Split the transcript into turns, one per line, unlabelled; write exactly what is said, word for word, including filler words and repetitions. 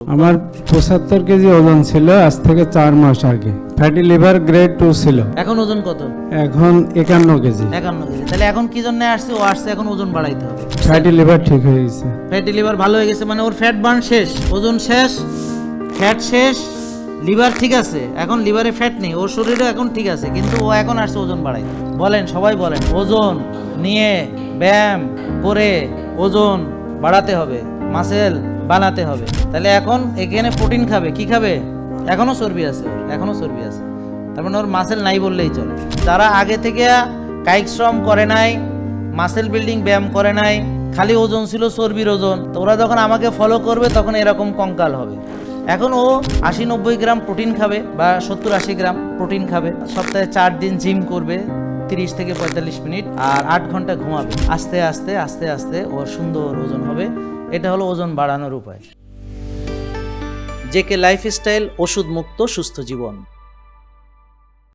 আমার পঁচাত্তর কেজি ওজন ছিল আজ থেকে চার মাস আগে। ফ্যাটি লিভার গ্রেড টু ছিল।
এখন ওজন কত?
এখন একান্ন কেজি।
একান্ন কেজি। তাহলে এখন কি জন্য আসছে? ও আসছে এখন ওজন বাড়াইতে হবে।
ফ্যাটি লিভার ঠিক হয়ে গেছে।
ফ্যাটি লিভার ভালো হয়ে গেছে মানে ওর ফ্যাট বার্ন শেষ, ওজন শেষ, ফ্যাট শেষ, লিভার ঠিক আছে। এখন লিভারে ফ্যাট নেই, ওর শরীরে এখন ঠিক আছে, কিন্তু ও এখন আসছে ওজন বাড়াইতে। বলেন, সবাই বলেন, ওজন নিয়ে ব্যায়াম করে ওজন বাড়াতে হবে, মাসেল বানাতে হবে। তাহলে এখন এখানে প্রোটিন খাবে, কি খাবে? এখনো চর্বি আছে, এখনো চর্বি আছে, তার মানে ওর মাসেল নাই বললেই চলে। যারা আগে থেকে কায়িক শ্রম করে নাই, মাসেল বিল্ডিং ব্যায়াম করে নাই, খালি ওজন ছিল চর্বির ওজন, তো ওরা যখন আমাকে ফলো করবে তখন এরকম কঙ্কাল হবে। এখন ও আশি নব্বই গ্রাম প্রোটিন খাবে বা সত্তর আশি গ্রাম প্রোটিন খাবে, সপ্তাহে চার দিন জিম করবে, তিরিশ থেকে পঁয়তাল্লিশ মিনিট, আর আট ঘন্টা ঘুমাবে। আস্তে আস্তে আস্তে আস্তে ওর সুন্দর ওজন হবে। এটা হলো ওজন বাড়ানোর উপায়। জেকে লাইফস্টাইল, ওষুধ মুক্ত সুস্থ জীবন।